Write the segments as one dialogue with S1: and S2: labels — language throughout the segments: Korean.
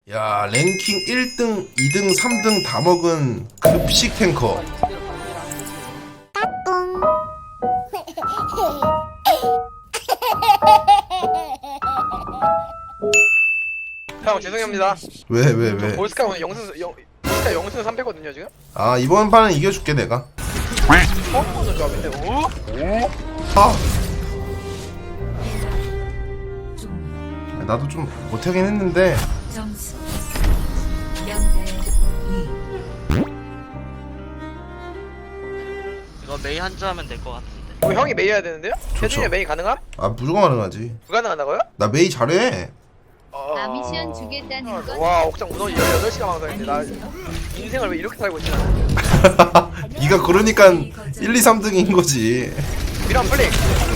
S1: 야, 랭킹 1등, 2등, 3등 다 먹은 급식 탱커.
S2: 형 죄송합니다.
S1: 왜?
S2: 볼스카 오늘 볼스카 영승 3패거든요 지금.
S1: 아, 이번 판은 이겨줄게 내가.
S2: 처음 보는 조합인데. 오?
S1: 아, 나도 좀 못하긴 했는데.
S3: 점수 0대 2.
S4: 이거 메이 한주 하면 될 것 같은데.
S2: 뭐 형이 메이 해야 되는데요? 태준이 메이 가능함?
S1: 아, 무조건 가능하지.
S2: 불가능하다고요?
S1: 나 메이 잘해.
S5: 아 미션 주겠다는 건
S2: 와 옥상 문어 18시간 방송했는데 나 인생을 왜 이렇게 살고 있지 나는.
S1: 네가 그러니까 1, 2, 3등인 거지.
S2: 미란 플릭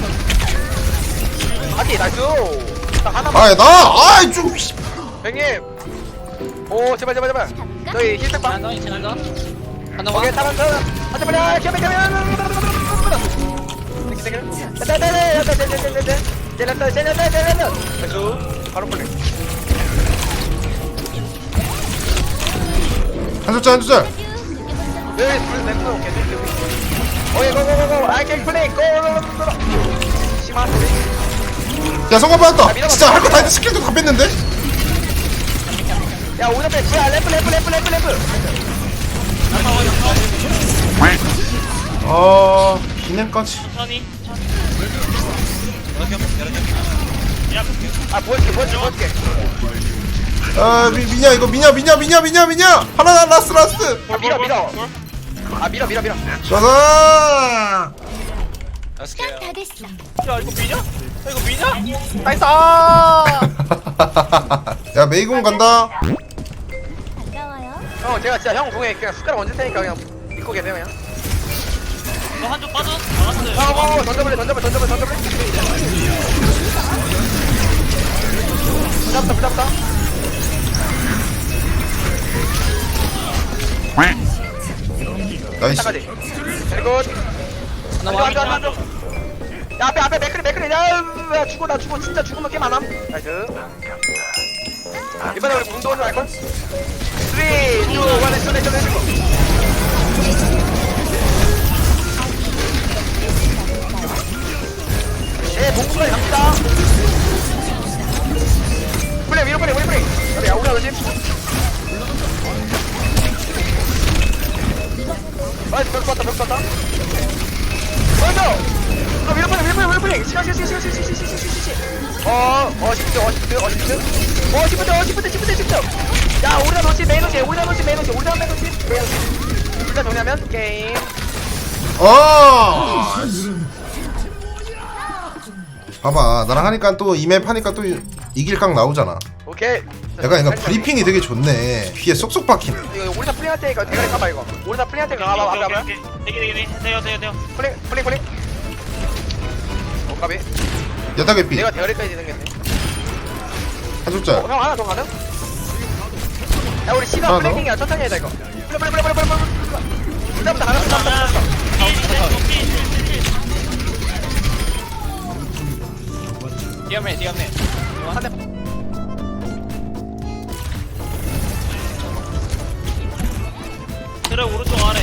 S2: 하기 나이스. 딱 하나만.
S1: 아, 아이 좀.
S2: 형님 오 제발 너희 힐팩방
S4: 너희 지나가. 하나
S2: 오케이 타란 하자 빨리 겸해 바로 플릭
S1: 한 숫자.
S2: 여기 불 램프 오케이 오케이 고고고고 아이케이 플레이 고 심한 소리
S1: 야, 성공 받았다. 진짜 할 거 다 했는데 스킬도 다 뺐는데?
S2: 야 오늘 빼 뭐야 램프
S1: 아, 기념까지.
S4: 천천히.
S2: 아 보여줄게
S1: 아, 미냐 이거 미냐. 하나 라스트.
S2: 밀어 아 밀어
S1: 자자.
S5: 다 됐어.
S4: 야 이거 미냐?
S2: 나이스
S1: 야, 메이공 간다.
S5: 반가워요.
S2: 형 제가 진짜 형 공에 그냥 숟가락 얹을 테니까 그냥 믿고 계세요 그냥
S4: 너 한 주 빠져? 나갔어요.
S2: 던져볼래 부잡다
S1: 나이스.
S2: 끝까지 그리고 앉아 야 앞에 맥크리 야 죽어 나 죽어 진짜 죽으면 게임 안함 나이스 이번에 우리 공동으로 할걸? 3, 2, 1 해주고 봉구까지 갑니다 플레이 위로 플레이 야 우리 조심 나이스 벽 쐈다 먼저 위로 플레이 시간 시프트 야 우리가 놓치 메인 놓치 일단 정리하면 게임
S1: 봐봐, 나랑 하니까 또 이맵 하니까 또 이길 각 나오잖아.
S2: 오케이
S1: 약간 브리핑이 되게 좋네. 귀에 쏙쏙 박히네.
S2: 이거 우리 다 플레이할 테니까 대가리 까봐 이거 우리 다 플레이할 테니까 가봐
S4: 되게 돼요.
S2: 플레이 까비
S1: 여타 개피.
S2: 내가 대가리까지 생겼네
S1: 한 숫자.
S2: 형 하나 더 가능? 야 우리 시간
S1: 하나 더?
S2: 플레이팅이야 천천히 해야 이거 플레이 부담부터 가능
S4: 뛰어매.
S2: 한대
S4: 그래 오른쪽 아래.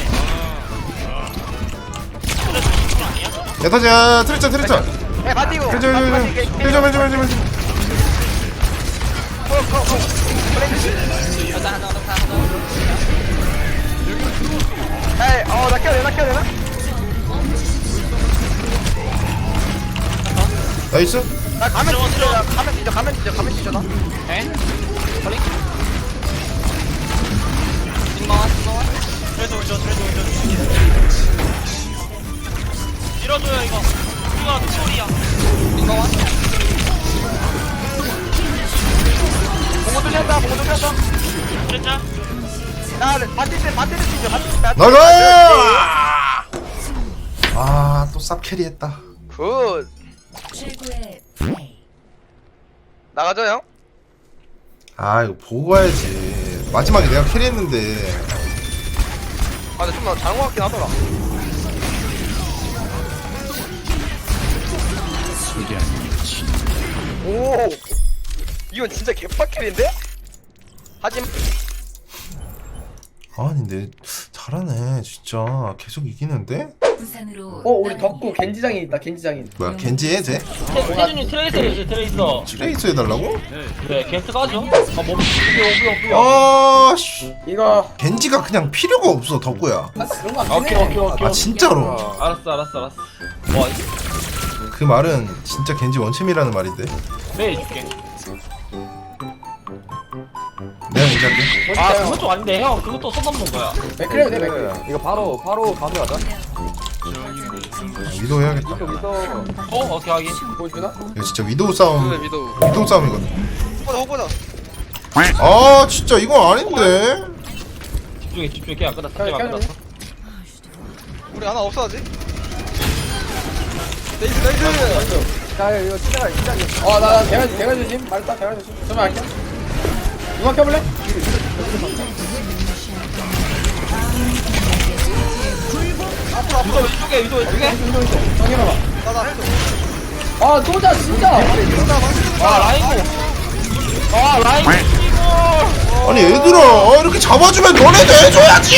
S4: 그래 오른쪽 아니야?
S1: 여타자 트리짜.
S2: 야 바티고
S1: 힐좀.
S2: 에이 나 키워야 되나?
S1: 나이스.
S2: 나 가면 뒤져 나
S4: 에? 컬링? 딩마와? 트레드 운전. 밀어줘요 이거. 우리가 소리야. 딩마와?
S2: 봉고 뚫렸다
S4: 그랬자?
S2: 야 바티를 뒤져
S1: 나이스. 아, 또 쌉 캐리했다.
S2: 굿
S3: 최고의 플레이.
S2: 나가죠 형?
S1: 아, 이거 보고 가야지. 마지막에 내가 캐리했는데.
S2: 아 근데 좀 잘한 것 같긴 하더라 오 이건 진짜 개빡킬인데? 하지.
S1: 아니 근데 잘하네 진짜. 계속 이기는데?
S3: 부산으로
S6: 우리 덕구 겐지장인 있다. 겐지장인.
S1: 뭐야 겐지해 쟤?
S4: 태준이 트레이서를 트레이서.
S1: 트레이스 해달라고?
S4: 그래 겐트 가죠.
S1: 아씨
S6: 이거
S1: 겐지가 그냥 필요가 없어 덕구야.
S6: 그런 거 같긴 해.
S1: 아 진짜로.
S4: 알았어.
S1: 그 말은 진짜 겐지 원챔이라는 말인데.
S4: 네 줄게.
S1: 내가 겐지할게.
S4: 아 그것도 아닌데 형 그것도 손 넘는 거야.
S6: 맥크래요, 내 맥크래.
S7: 이거 바로 가져가자.
S1: 위도우 해야겠다.
S4: 오케이 하긴.
S6: 보여주나?
S1: 이거 진짜 위도우 싸움. 위도우 싸움이거든.
S2: 호보자.
S1: 아 진짜 이건 아닌데.
S4: 집중해 게임 안 끝났어. 게임 안 끝났어.
S2: 우리 하나 없어 아직. 나이스.
S7: 자, 이거 시작이.
S6: 나 대가 조심. 말했다, 대가 조심. 저만 할게. 누가 켜볼래?
S4: 위도 왼쪽에.
S6: 정해봐봐.
S2: 나나 해줘.
S6: 쏘자, 진짜.
S4: 라인.
S1: 아니 얘들아 이렇게 잡아주면 너네도 해줘야지.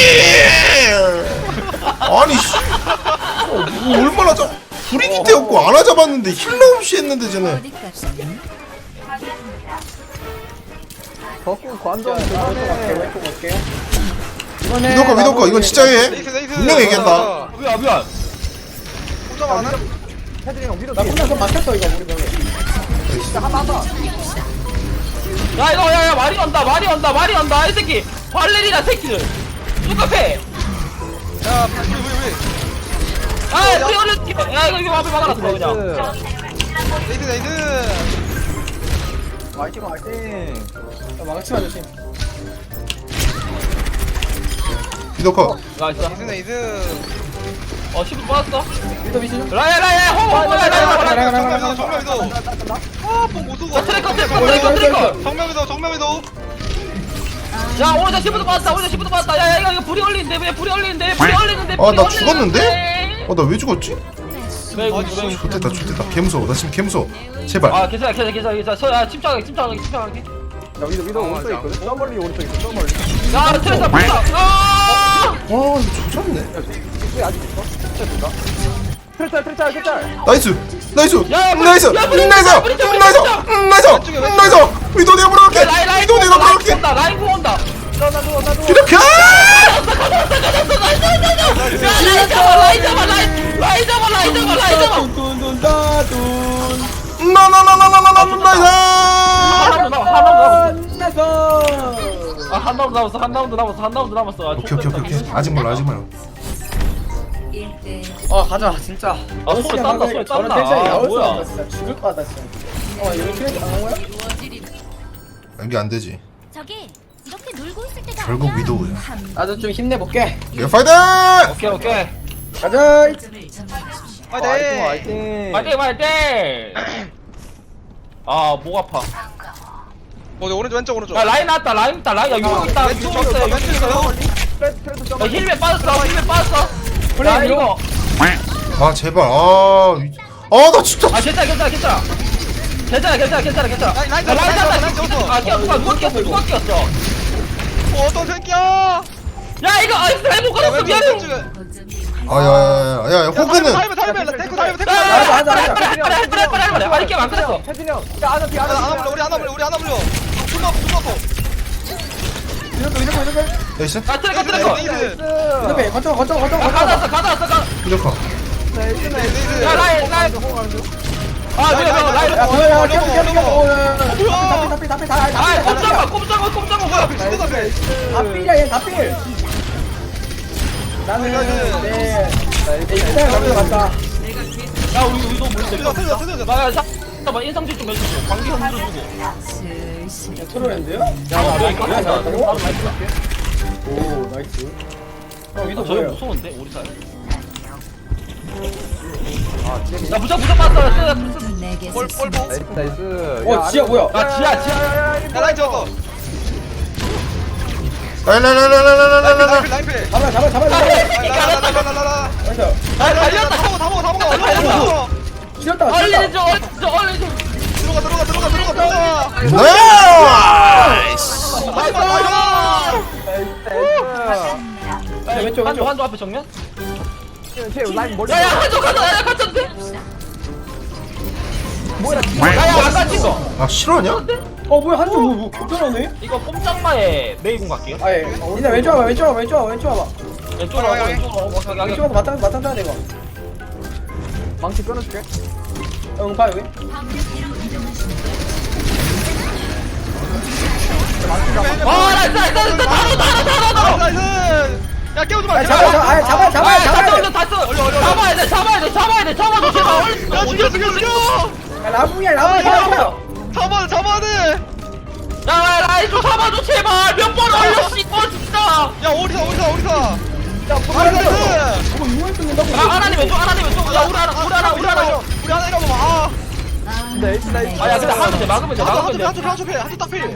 S1: 아니 씨. 뭐 얼마나 불이기 태웠고 안아 잡았는데 힐러 없이 했는데 쟤네.
S3: 어디까지?
S7: 덕구 관전
S6: 갈게, 왼쪽 갈게. 이번에
S1: 위도커 이건 진짜 해. 분명히 얘기한다.
S4: 미안.
S2: 호자가 하나.
S7: 태준이 형 위로
S6: 나 혼자서 막혔어, 이거, 우리 병에.
S4: 야 이거 야 말이 온다 이 새끼 발레리나 새끼들 똑같아.
S2: 야 우리.
S4: 아 뛰어올렸지. 야 이거 앞에 막아놨어 그냥.
S2: 나이스.
S7: 화이팅.
S6: 망치만 조심.
S1: 위도커.
S4: 나이스.
S2: 나이스.
S4: 10분 빠졌어.
S6: 위도 미시 좀.
S4: 라야 홍.
S2: 정면이도. 아뽕 못쏘고.
S4: 트래커.
S2: 정면이도.
S4: 야 오늘 10분도 빠졌다. 야 이거 불이 올리는데 왜 불이 올리는데.
S1: 아 나 죽었는데? 나 왜 죽었지?
S4: 왜
S1: 좋됐다 개무서워. 나 지금 개무서워. 제발.
S4: 아 괜찮아. 야 침착하게.
S7: 자, 위도 오른쪽에 있거든. 저 멀리 오른쪽에 있어. 저 멀리.
S4: 야 트래커 불다. 아
S1: 이거 조졌네.
S7: 왜 아직 있어? 트레짤.
S1: 나이스. 위도 내가 물어볼게. 위도 내가 물어볼게.
S4: 라인 구 온다.
S1: 이렇게.
S4: 라인 잡아.
S1: 나나나나나나나나나.
S4: 한 라운드 남았어.
S1: 오케이. 아직 몰라.
S3: 1대
S6: 가자, 진짜.
S4: 소리 딴다.
S6: 저런 텐션이
S4: 아,
S6: 나올 수
S4: 뭐야.
S6: 없다, 진짜. 죽을 것 같다, 진짜. 이거 트레이드 당한 거야?
S1: 이게 안 되지.
S5: 저기 이렇게 놀고 있을 때가
S1: 결국
S5: 아니야.
S1: 위도우야.
S6: 나도 좀 힘내볼게.
S1: 예 파이팅!
S4: 오케이.
S6: 가자.
S3: 점을 점령하십시오.
S2: 화이팅.
S4: 화이팅. 아, 목 아파.
S2: 오른쪽.
S4: 야, 라인 나왔다. 라인 있다. 야, 용 있다. 용 있어. 야, 힐맨 빠졌어.
S6: 플레이
S4: 야,
S6: 위로.
S4: 이거.
S1: 아 제발. 나 진짜.
S4: 아, 괜찮아.
S2: 라인
S4: 라인
S2: 잡았어.
S4: 아, 누가 끼었어?
S2: 어떤 새끼야?
S4: 야, 이거 잘못 걸었어. 미안해.
S3: 거점이
S1: 야야야야 호그는.
S2: 타이밍 테크.
S4: 빨리. 아니, 게임 안 끝났어.
S7: 태준이 형. 야, 하나 뒤.
S2: 우리 하나 물려. 숨어.
S1: 나이스.
S4: 아, 트래커.
S6: 이렇게 거쳐.
S4: 가다.
S1: 위도커.
S4: 야, 라인. 아, 라인.
S6: 야, 뭐야, 캡.
S4: 아, 꼼짝마 뭐야?
S6: 다필이야, 얘 다필. 나는 내 인스타에 남겨갔다.
S4: 야, 우리 이거 뭔데? 야, 잠깐만 인상질 좀 해주고 관계 흔들어 주고.
S3: 슬슬
S6: 트로랜드요?
S4: 야,
S6: 잘한다고? 오, 나이스. 위도
S4: 저기
S6: 뭐예요?
S4: 무서운데 우리 사이. 야, 무적 빠졌어.
S3: 내게
S7: 나이스.
S6: 지야 뭐야?
S4: 야, 지야.
S2: 라인 잡았어.
S1: 라라라라라라라라.
S2: 라인 필.
S6: 잡아.
S2: 라라라라라라.
S6: 나이스.
S4: 아, 달렸다.
S2: 다 먹어.
S6: 지렸다.
S4: 얼른 좀.
S2: 들어가.
S1: 나이스.
S4: 나이스.
S6: 왼쪽 왼쪽.
S4: 한조 앞에 정면.
S7: 쟤 라인 머리.
S4: 야야 한조 가자. 야 갇혔는데. 야야 안 갇힌 거.
S1: 아 실화냐?
S6: 뭐야 한쪽 뭐 겹쳐나네?
S4: 이거 꼼짝마에 메이공 갈게요.
S6: 아예 니네 왼쪽 와봐 왼쪽 와봐 왼쪽 와봐 왼쪽 와봐
S4: 왼쪽으로
S2: 가게, 가게.
S6: 왼쪽 와서 맞짱 떠야 돼 이거.
S7: 망치 끊어줄게.
S6: 응파 여기.
S4: 와 나이스 나이스 나이스 따로.
S2: 나이스. 야 깨우지 마.
S6: 아 잡아 잡아야 돼.
S4: 잡아야 돼 잡아줘 제발.
S2: 야 죽여.
S6: 야, 라붕이야 잡아.
S2: 잡아야 돼.
S4: 야 라인 좀 잡아줘 제발. 몇 번 올려 씹어 진짜.
S2: 야 오리사.
S6: 야
S2: 나이스.
S6: 뭐 이거 뚫는다고?
S4: 하나님 왼쪽 야 우리 하나
S2: 우리 하나 이러고 봐.
S7: 근데 에이스 나이스.
S4: 아야 근데 하면 돼 막으면 돼 막으면 돼.
S2: 한쪽 딱 필.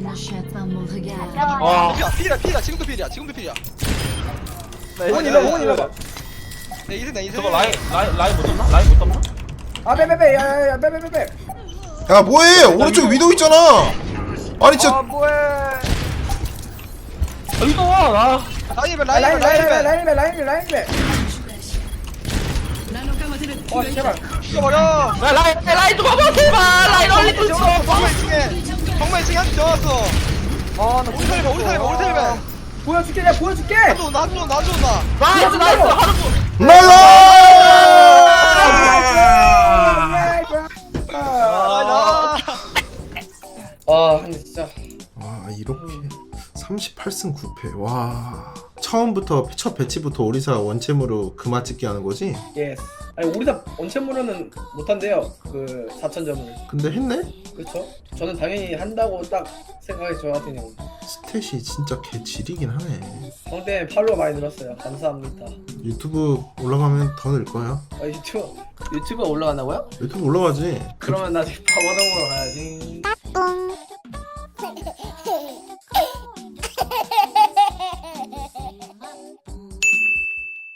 S4: 와
S2: 필이야. 지금도 필이야.
S6: 호건 일어봐.
S2: 내 이승.
S4: 저거 라인 못 잡나? 라인 못 잡나?
S6: 아 빼빼빼 야야야 빼빼빼.
S1: 야 뭐해? 오른쪽 위도 있잖아. 아니 진짜
S7: 아 뭐해?
S4: 이거 와.
S6: 라인배. 제발.
S2: 죽여버려.
S4: 야 라인 좀 봐봐 제발. 라인 얼리 좀 쳐.
S2: 정말 층에 한쪽 정왔어.
S7: 아나
S2: 우리 살배.
S6: 보여줄게 내가 보여줄게.
S2: 나도 온다.
S4: 나이스 하루
S6: 근데 진짜.
S1: 와 이렇게 38승 9패. 와 처음부터 첫 배치부터 오리사 원챔으로 금화 찍기 하는 거지?
S6: 예. 아니 우리사 원챔으로는 못한대요. 그 4,000점을.
S1: 근데 했네?
S6: 그렇죠? 저는 당연히 한다고 딱 생각해서 저 같은 경우.
S1: 스탯이 진짜 개 지리긴 하네.
S6: 성대 팔로워 많이 늘었어요. 감사합니다.
S1: 유튜브 올라가면 더 늘 거야.
S6: 유튜브 올라간다고요?
S1: 유튜브 올라가지.
S6: 그러면 나 지금 바바동으로 가야지.